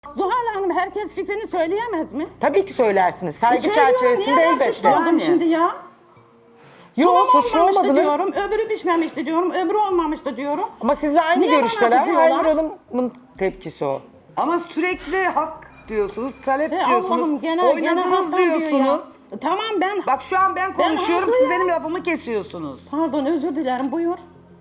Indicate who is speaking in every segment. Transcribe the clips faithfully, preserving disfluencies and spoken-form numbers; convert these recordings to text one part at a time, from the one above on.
Speaker 1: Zuhal Hanım herkes fikrini söyleyemez mi?
Speaker 2: Tabii ki söylersiniz. Saygı
Speaker 1: E söylüyorum,
Speaker 2: çerçevesinde
Speaker 1: niye ben
Speaker 2: elbette.
Speaker 1: suçlu oldum
Speaker 3: Yani.
Speaker 1: şimdi ya?
Speaker 2: Yok,
Speaker 1: Sunum
Speaker 2: suçlu
Speaker 1: olmamıştı
Speaker 2: olmadınız.
Speaker 1: diyorum, öbürü pişmemişti diyorum, öbürü olmamıştı diyorum.
Speaker 2: Ama sizle aynı
Speaker 1: Niye bana
Speaker 2: görüşteler.
Speaker 1: kızıyorlar?
Speaker 2: Aynur Hanım'ın tepkisi o.
Speaker 3: Ama sürekli hak diyorsunuz, talep
Speaker 1: E
Speaker 3: diyorsunuz,
Speaker 1: Allah'ım gene,
Speaker 3: oynadınız
Speaker 1: gene haktan diyor
Speaker 3: diyorsunuz.
Speaker 1: ya. Tamam ben,
Speaker 3: Bak şu an ben konuşuyorum,
Speaker 1: Ben
Speaker 3: siz
Speaker 1: haklıyım.
Speaker 3: benim lafımı kesiyorsunuz.
Speaker 1: pardon özür dilerim buyur.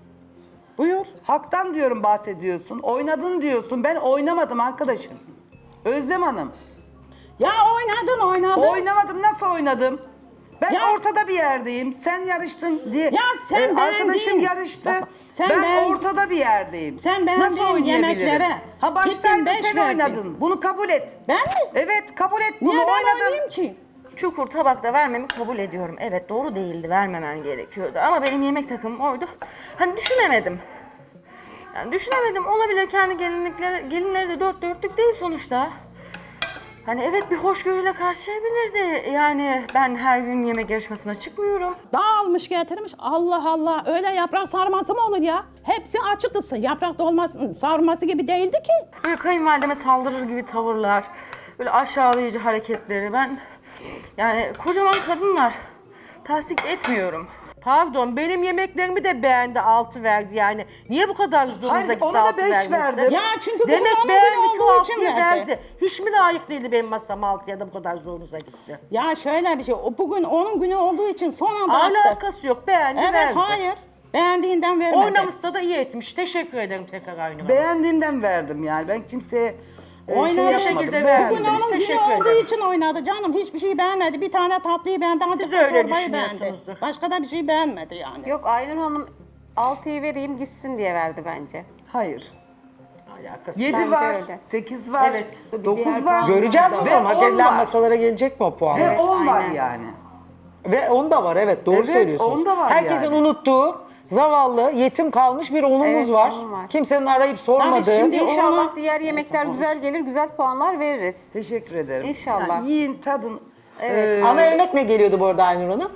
Speaker 1: Buyur.
Speaker 3: Haktan diyorum bahsediyorsun, oynadın diyorsun. Ben oynamadım arkadaşım. Özlem Hanım.
Speaker 1: Ya oynadın oynadın.
Speaker 3: Oynamadım, nasıl oynadım? Ben
Speaker 1: Ya-
Speaker 3: ortada bir yerdeyim. Sen yarıştın diye.
Speaker 1: Ya sen
Speaker 3: Ee, arkadaşım
Speaker 1: beğendiğin-
Speaker 3: yarıştı.
Speaker 1: Bak, sen
Speaker 3: ben
Speaker 1: beğen-
Speaker 3: ortada bir yerdeyim.
Speaker 1: Sen beğendiğin
Speaker 3: Nasıl oynayabilirim?
Speaker 1: yemeklere
Speaker 3: Ha baştaydın,
Speaker 1: gittin, beş
Speaker 3: sen
Speaker 1: verdin.
Speaker 3: oynadın. Bunu kabul et.
Speaker 1: Ben mi?
Speaker 3: Evet, kabul et bunu.
Speaker 1: Niye ben
Speaker 3: oynadın.
Speaker 1: oynayayım ki?
Speaker 4: Çukur tabakta vermemi kabul ediyorum. Evet doğru değildi, vermemen gerekiyordu. Ama benim yemek takımım oydu. Hani düşünemedim. Yani düşünemedim. Olabilir, kendi gelinlikleri, gelinleri de dört dörtlük değil sonuçta. Hani evet bir hoşgörüyle karşılayabilirdi. Yani ben her gün yemek yarışmasına çıkmıyorum.
Speaker 1: Dağılmış getirmiş. Allah Allah öyle yaprak sarması mı olur ya? Hepsi açıktı. Yaprak dolması sarması gibi değildi ki.
Speaker 4: Böyle kayınvalideme saldırır gibi tavırlar. Böyle aşağılayıcı hareketleri. Ben yani kocaman kadınlar tasdik etmiyorum.
Speaker 5: Pardon, benim yemeklerimi de beğendi, altı verdi yani. Niye bu kadar zorunuza
Speaker 3: Hayır,
Speaker 5: gitti
Speaker 3: ona da
Speaker 5: altı
Speaker 3: beş
Speaker 5: vermesi?
Speaker 3: verdim.
Speaker 1: Ya çünkü bugün
Speaker 5: Demek
Speaker 1: onun
Speaker 5: beğendi
Speaker 1: günü
Speaker 5: ki
Speaker 1: olduğu için
Speaker 5: altıyı
Speaker 1: verdi.
Speaker 5: verdi. Hiç mi layık değildi benim masam altıya da bu kadar zorunuza gitti?
Speaker 1: Ya şöyle bir şey. O bugün onun günü olduğu için son anda attı.
Speaker 5: Alakası yok, beğendi
Speaker 1: Evet
Speaker 5: verdi.
Speaker 1: hayır. Beğendiğinden vermedi.
Speaker 5: Oynamışsa da iyi etmiş. Teşekkür ederim tekrar Aynur Hanım.
Speaker 3: Beğendiğimden verdim yani. Ben kimseye e, şey
Speaker 1: Oynadı.
Speaker 3: yapmadım.
Speaker 5: şekilde
Speaker 3: Beğendim.
Speaker 1: Bugün onun günü
Speaker 5: Teşekkür
Speaker 1: olduğu
Speaker 5: ederim.
Speaker 1: için oynadı canım. Hiçbir şey beğenmedi. Bir tane tatlıyı beğendi ancak
Speaker 5: Siz
Speaker 1: da
Speaker 5: öyle
Speaker 1: çorbayı beğendi.
Speaker 5: düşünüyorsunuzdur.
Speaker 1: Başka da bir şey beğenmedi yani.
Speaker 6: Yok Aynur Hanım altıyı vereyim gitsin diye verdi bence.
Speaker 3: Hayır.
Speaker 5: Alakası
Speaker 3: yedi
Speaker 6: Bence
Speaker 3: var,
Speaker 6: öyle.
Speaker 3: sekiz var,
Speaker 5: Evet.
Speaker 3: dokuz var.
Speaker 2: Göreceğiz
Speaker 3: Ve
Speaker 2: bakalım. Hak
Speaker 3: on
Speaker 2: edilen
Speaker 3: var.
Speaker 2: masalara gelecek mi o puan?
Speaker 3: Ve
Speaker 6: Evet,
Speaker 3: on var
Speaker 6: aynen.
Speaker 3: yani.
Speaker 2: Ve on da var, evet doğru
Speaker 3: Evet,
Speaker 2: söylüyorsunuz.
Speaker 3: on da var
Speaker 2: Herkesin
Speaker 3: yani.
Speaker 2: unuttuğu, zavallı, yetim kalmış bir onumuz
Speaker 6: Evet,
Speaker 2: var.
Speaker 6: onun var.
Speaker 2: Kimsenin arayıp sormadığı.
Speaker 1: Tabii şimdi-
Speaker 6: İnşallah
Speaker 1: ona-
Speaker 6: diğer yemekler güzel gelir, güzel puanlar veririz.
Speaker 3: Teşekkür ederim.
Speaker 6: İnşallah.
Speaker 3: Yani yiyin, tadın.
Speaker 6: Evet.
Speaker 3: Ee,
Speaker 2: Ana yemek ne geliyordu bu arada Aynur Hanım?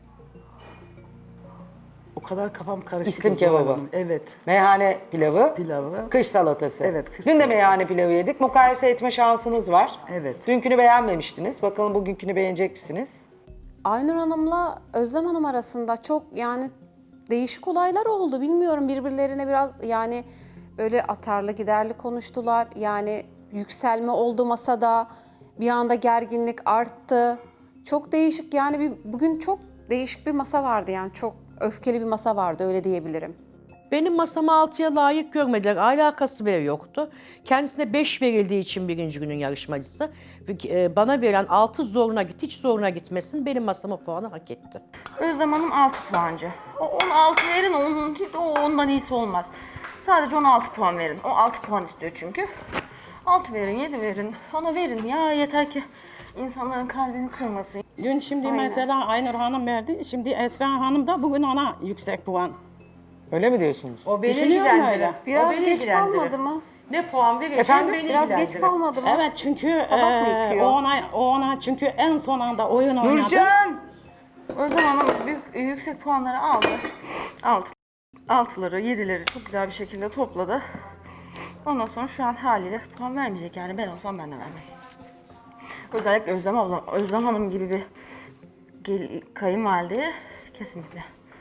Speaker 3: o kadar kafam karıştı.
Speaker 2: İslim
Speaker 3: Zuhal
Speaker 2: kebabı.
Speaker 3: Hanım. Evet.
Speaker 2: Meyhane pilavı,
Speaker 3: Pilavı.
Speaker 2: kış salatası.
Speaker 3: Evet, kış
Speaker 2: Dün de
Speaker 3: salatası.
Speaker 2: meyhane pilavı yedik. Mukayese etme şansınız var.
Speaker 3: Evet.
Speaker 2: Dünkünü beğenmemiştiniz. Bakalım bugünkünü beğenecek misiniz?
Speaker 6: Aynur Hanım'la Özlem Hanım arasında çok yani değişik olaylar oldu. Bilmiyorum, birbirlerine biraz yani böyle atarlı giderli konuştular. Yani yükselme oldu masada. Bir anda gerginlik arttı. Çok değişik yani bir, bugün çok değişik bir masa vardı yani çok öfkeli bir masa vardı öyle diyebilirim.
Speaker 5: Benim masamı altıya layık görmediler. Alakası bile yoktu. Kendisine beş verildiği için birinci günün yarışmacısı. e, Bana verilen altı zoruna git, hiç zoruna gitmesin. Benim masama puanı hak etti.
Speaker 4: Özlem Hanım altı puancı. O on altı verin, onun, o ondan iyisi olmaz. Sadece on altı puan verin. O altı puan istiyor çünkü. altı verin, yedi verin. Ona verin ya, yeter ki insanların kalbini kırmasın.
Speaker 1: Dün şimdi mesela Aynur Hanım verdi. Şimdi Esra Hanım da bugün ona yüksek puan.
Speaker 2: Öyle mi diyorsunuz?
Speaker 5: O beni
Speaker 1: Düşünüyorum
Speaker 5: ilgilendirir.
Speaker 1: öyle.
Speaker 6: Biraz
Speaker 5: O beni
Speaker 6: geç
Speaker 5: ilgilendirir.
Speaker 6: kalmadı mı?
Speaker 5: Ne puan verirsen
Speaker 2: Efendim?
Speaker 5: beni
Speaker 6: Biraz geç
Speaker 5: ilgilendirir.
Speaker 6: kalmadı mı?
Speaker 1: Evet çünkü
Speaker 6: Tabak mı
Speaker 1: eee,
Speaker 6: yıkıyor?
Speaker 1: o ona o ona çünkü en son anda oyun oynadı.
Speaker 3: Nurcan!
Speaker 4: Özlem Hanım büyük, yüksek puanları aldı. Altı, altıları, yedileri çok güzel bir şekilde topladı. Ondan sonra şu an haliyle puan vermeyecek yani, ben olsam ben de vermem. Özellikle Özlem abla, Özlem Hanım gibi bir gel, kayınvalideye kesinlikle.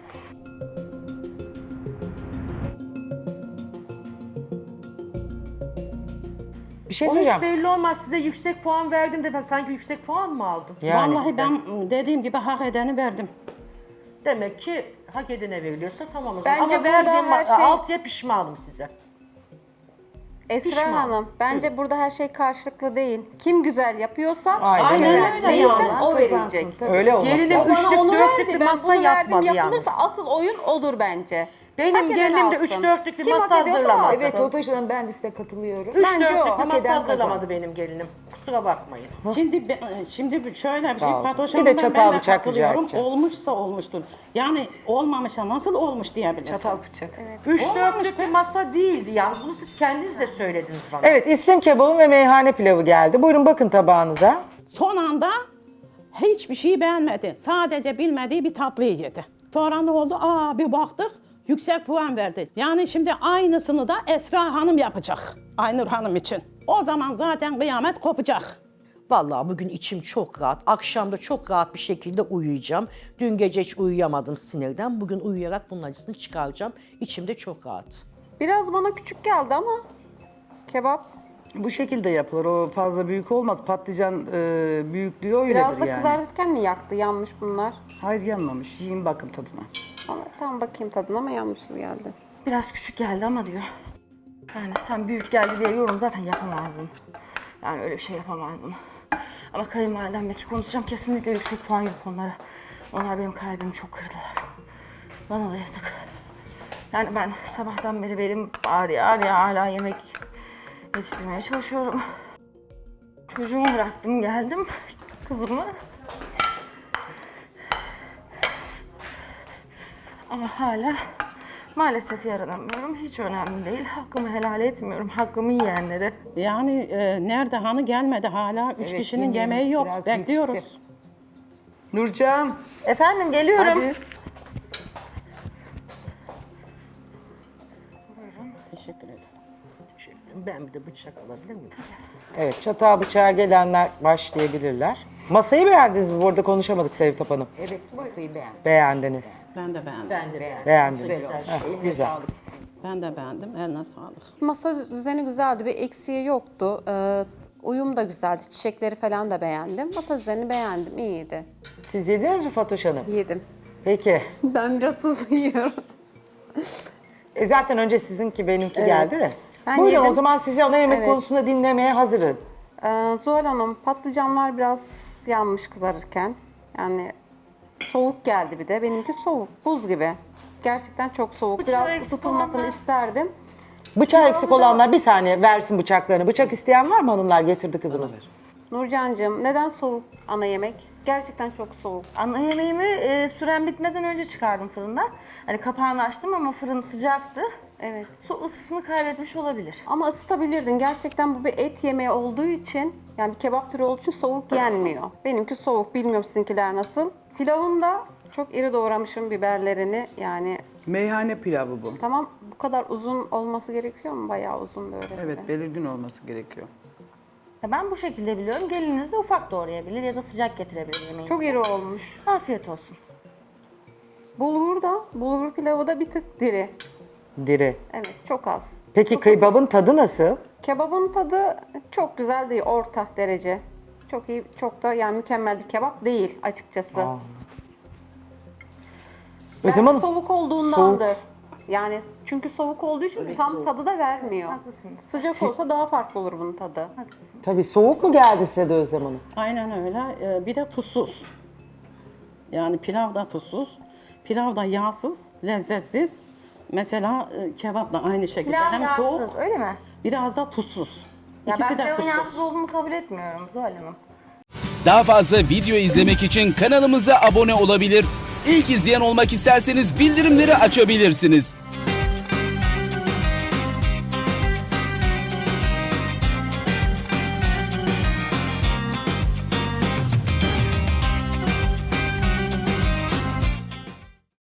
Speaker 2: Bir şey
Speaker 5: O hiç
Speaker 2: söyleyeceğim.
Speaker 5: belli olmaz. Size yüksek puan verdim de ben sanki yüksek puan mı aldım?
Speaker 2: Yani
Speaker 1: Vallahi ben dediğim gibi hak edeni verdim.
Speaker 5: Demek ki hak edene veriliyorsa tamam o zaman.
Speaker 6: Bence
Speaker 5: Ama
Speaker 6: burada
Speaker 5: verdiğim
Speaker 6: her şey-
Speaker 5: altıya pişmanım size.
Speaker 6: Esra
Speaker 5: Pişman.
Speaker 6: Hanım, bence burada her şey karşılıklı değil. Kim güzel yapıyorsa
Speaker 2: Aynen
Speaker 6: hak
Speaker 2: öyle.
Speaker 6: eder.
Speaker 1: öyle
Speaker 6: Değilse
Speaker 1: yani.
Speaker 6: o verilecek.
Speaker 2: öyle olmaz.
Speaker 5: Gelinim
Speaker 6: O bana
Speaker 5: üçlük
Speaker 6: onu
Speaker 5: dörtlük
Speaker 6: verdi.
Speaker 5: bir
Speaker 6: Ben
Speaker 5: masa
Speaker 6: bunu verdim.
Speaker 5: yapmadı
Speaker 6: Yapılırsa
Speaker 5: yalnız.
Speaker 6: asıl oyun odur bence.
Speaker 5: Benim
Speaker 6: Hak eden
Speaker 5: gelinim de
Speaker 6: alsın.
Speaker 5: üç dörtlük bir
Speaker 6: Kim
Speaker 5: masa
Speaker 6: hak ediyorsa
Speaker 5: hazırlamadı.
Speaker 6: alsın.
Speaker 7: Evet Fatoş Hanım ben de size katılıyorum.
Speaker 5: Üç
Speaker 6: Bence o.
Speaker 5: dörtlük bir
Speaker 7: Hak
Speaker 5: masa
Speaker 7: eden
Speaker 5: hazırlamadı
Speaker 7: kazansın.
Speaker 5: benim gelinim. Kusura bakmayın.
Speaker 1: Şimdi be- şimdi bir- şöyle bir şey
Speaker 2: Sağ ol.
Speaker 1: Fatoş
Speaker 2: Bir de
Speaker 1: Hanım'dan
Speaker 2: çatal
Speaker 1: ben de
Speaker 2: bıçak rica
Speaker 1: katılıyorum.
Speaker 2: edeceğim.
Speaker 1: Olmuşsa olmuştur. Yani olmamışsa nasıl olmuş diyebilirsin.
Speaker 3: Çatal bıçak.
Speaker 5: Üç
Speaker 1: Olmamış
Speaker 5: dörtlük bir masa değildi yani. Bunu siz kendiniz de söylediniz bana.
Speaker 2: Evet, İslim kebabı ve meyhane pilavı geldi. Buyurun bakın tabağınıza.
Speaker 1: Son anda hiçbir şey beğenmedi. Sadece bilmediği bir tatlıyı yedi. Sonra ne oldu? Aa bir baktık yüksek puan verdi. Yani şimdi aynısını da Esra Hanım yapacak. Aynur Hanım için. O zaman zaten kıyamet kopacak.
Speaker 5: Vallahi bugün içim çok rahat. Akşam da çok rahat bir şekilde uyuyacağım. Dün gece hiç uyuyamadım sinirden. Bugün uyuyarak bunun acısını çıkaracağım. İçim de çok rahat.
Speaker 6: Biraz bana küçük geldi ama kebap.
Speaker 3: Bu şekilde yapılır. O fazla büyük olmaz. Patlıcan e, büyüklüğü öyledir
Speaker 6: Biraz da
Speaker 3: yani.
Speaker 6: kızartırken mi yaktı? Yanmış bunlar.
Speaker 3: Hayır yanmamış. Yiyin bakın tadına.
Speaker 6: Ama tam bakayım tadına ama yanmış gibi geldi.
Speaker 4: Biraz küçük geldi ama diyor. Yani sen büyük geldi diye yorum zaten yapamazdın. Yani öyle bir şey yapamazdın. Ama kayınvalidemdeki konuşacağım, kesinlikle yüksek puan yok onlara. Onlar benim kalbimi çok kırdılar. Bana da yazık. Yani ben sabahtan beri benim ağrıya ağrıya hala yemek yetiştirmeye çalışıyorum. Çocuğumu bıraktım geldim, kızımı. Ama hala maalesef yaranamıyorum. Hiç önemli değil. Hakkımı helal etmiyorum. Hakkımı yiyenlere.
Speaker 1: Yani e, nerede hanı gelmedi hala. Üç
Speaker 3: Evet,
Speaker 1: kişinin
Speaker 3: yemeğimiz
Speaker 1: yemeği yok.
Speaker 3: biraz büyük
Speaker 1: Bekliyoruz.
Speaker 3: çıktı. Nurcan.
Speaker 4: Efendim geliyorum.
Speaker 3: Hadi.
Speaker 1: Teşekkür ederim.
Speaker 5: Ben bir de bıçak alabilir miyim?
Speaker 2: Evet, çatağa bıçağa gelenler başlayabilirler. Masayı beğendiniz mi? Bu arada konuşamadık Sevtap Hanım.
Speaker 7: Evet, masayı beğendim.
Speaker 2: Beğendiniz.
Speaker 1: Ben de beğendim. Ben de,
Speaker 2: Beğendiniz.
Speaker 7: Güzel olmuş.
Speaker 2: Heh,
Speaker 7: Eline
Speaker 2: güzel.
Speaker 7: sağlık.
Speaker 1: ben de beğendim. Eline sağlık.
Speaker 6: Masa düzeni güzeldi. Bir eksiği yoktu. Ee, uyum da güzeldi. Çiçekleri falan da beğendim. Masa düzenini beğendim. İyiydi.
Speaker 2: Siz yediniz mi Fatoş Hanım?
Speaker 6: Yedim.
Speaker 2: Peki.
Speaker 6: Ben biraz hızlı yiyorum.
Speaker 2: E zaten önce sizinki benimki geldi de.
Speaker 6: Ben
Speaker 2: Buyurun
Speaker 6: yedim.
Speaker 2: o zaman sizi ana yemek
Speaker 6: Evet.
Speaker 2: konusunda dinlemeye hazırım.
Speaker 6: Ee, Zuhal Hanım, patlıcanlar biraz yanmış kızarırken. Yani soğuk geldi bir de. Benimki soğuk, buz gibi. Gerçekten çok soğuk.
Speaker 4: Bıçağı
Speaker 6: Biraz
Speaker 4: eksik
Speaker 6: ısıtılmasını
Speaker 4: olanlar-
Speaker 6: isterdim.
Speaker 2: Bıçağı eksik olanlar bir saniye versin bıçaklarını. Bıçak isteyen var mı hanımlar? Getirdi kızımız.
Speaker 6: Nurcancığım, neden soğuk ana yemek? Gerçekten çok soğuk.
Speaker 4: Ana yemeğimi e, süren bitmeden önce çıkardım fırından. Hani kapağını açtım ama fırın sıcaktı.
Speaker 6: Evet.
Speaker 4: Su ısısını kaybetmiş olabilir.
Speaker 6: Ama ısıtabilirdin. Gerçekten bu bir et yemeği olduğu için, yani bir kebap türü olduğu için soğuk yenmiyor. Benimki soğuk. Bilmiyorum sizinkiler nasıl. Pilavın da çok iri doğramışım biberlerini. Yani
Speaker 3: Meyhane pilavı bu.
Speaker 6: tamam, bu kadar uzun olması gerekiyor mu? Bayağı uzun böyle.
Speaker 3: Evet
Speaker 6: gibi.
Speaker 3: belirgin olması gerekiyor.
Speaker 4: Ya ben bu şekilde biliyorum. Geliniz de ufak doğrayabilir ya da sıcak getirebilir yemeği.
Speaker 6: Çok iri olmuş.
Speaker 4: Afiyet olsun.
Speaker 6: Bulgur da, bulgur pilavı da bir tık diri.
Speaker 2: Diri.
Speaker 6: Evet, çok az.
Speaker 2: Peki kıybabın tadı nasıl?
Speaker 6: Kebabın tadı çok güzel değil, orta derece. Çok iyi, çok da yani mükemmel bir kebap değil açıkçası.
Speaker 2: Aa.
Speaker 6: Belki
Speaker 2: Özlem Hanım,
Speaker 6: soğuk olduğundandır. Yani çünkü soğuk olduğu için tam tadı da vermiyor.
Speaker 4: Haklısınız.
Speaker 6: Sıcak olsa daha farklı olur bunun tadı.
Speaker 2: tabii soğuk mu geldi size de Özlem Hanım?
Speaker 1: Aynen öyle. Ee, bir de tuzsuz. Yani pilav da tuzsuz. Pilav da yağsız, lezzetsiz. Mesela e, kebap da aynı şekilde.
Speaker 4: Pilav
Speaker 1: Hem
Speaker 4: yağsız
Speaker 1: soğuk,
Speaker 4: öyle mi?
Speaker 1: biraz da tuzsuz.
Speaker 4: Ya
Speaker 1: İkisi
Speaker 4: ben
Speaker 1: de
Speaker 4: pilavın
Speaker 1: tuzsuz.
Speaker 4: yağsız olduğunu kabul etmiyorum Zuhal Hanım.
Speaker 8: Daha fazla video izlemek için kanalımıza abone olabilir. İlk izleyen olmak isterseniz bildirimleri açabilirsiniz.